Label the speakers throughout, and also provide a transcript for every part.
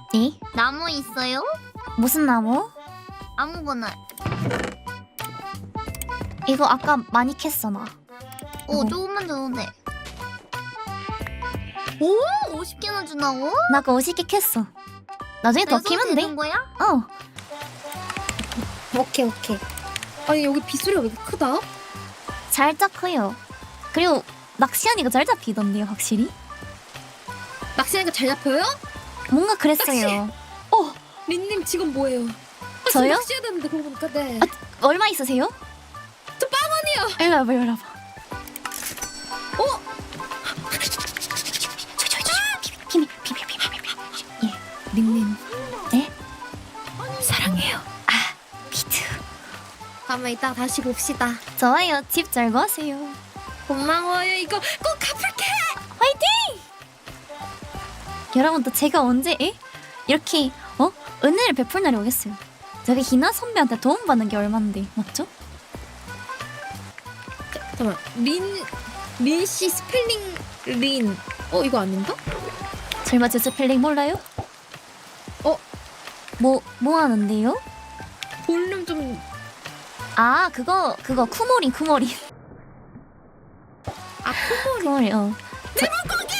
Speaker 1: 네?
Speaker 2: 나무 있어요?
Speaker 1: 무슨 나무?
Speaker 2: 아무거나.
Speaker 1: 이거 아까 많이 캤어 나.
Speaker 2: 조금만 줘도 돼. 오, 50개나 주나고?
Speaker 1: 나 아까 50개 캤어. 나중에 더 키면 돼.
Speaker 2: 되는 거야?
Speaker 1: 어.
Speaker 3: 오케이. 아니 여기 빗소리가 왜 이렇게 크다?
Speaker 1: 살짝 커요. 그리고 낚시하니까 잘 잡히던데요 확실히.
Speaker 3: 낚시하니까 잘 잡혀요?
Speaker 1: 뭔가 그랬어요.
Speaker 3: 린님 지금 뭐예요?
Speaker 1: 저요?
Speaker 3: 낚시해야 되는데 그러고 보니까 네.
Speaker 1: 얼마 있으세요?
Speaker 3: 저 10,000원이요.
Speaker 1: 일로 와봐 일로 와봐. 비밀. 예.
Speaker 3: 린님
Speaker 1: 네?
Speaker 3: 사랑해요.
Speaker 1: 비트.
Speaker 3: 다음에 이따 다시 봅시다.
Speaker 1: 좋아요. 집 잘 구하세요.
Speaker 3: 고마워요. 이거 꼭 갚을게.
Speaker 1: 여러분 또 제가 언제 이렇게 은혜를 베풀 날이 오겠어요. 저기 희나 선배한테 도움 받는 게 얼만데 맞죠?
Speaker 3: 잠깐만. 린씨 스펠링 린. 이거 아닌가?
Speaker 1: 설마 제 스펠링 몰라요? 뭐 하는데요?
Speaker 3: 볼륨 좀.
Speaker 1: 아 그거 쿠모린
Speaker 3: 쿠모리.
Speaker 1: 쿠모린
Speaker 3: 내 물고기.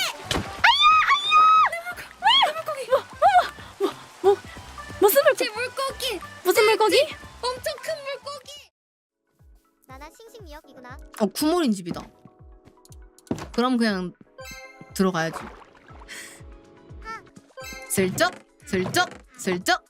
Speaker 1: 무슨 물고기?
Speaker 3: 제 물고기.
Speaker 1: 무슨 물고기?
Speaker 3: 엄청 큰 물고기.
Speaker 2: 나나 싱싱미역이구나.
Speaker 4: 쿠모린 집이다. 그럼 그냥 들어가야지. 슬쩍.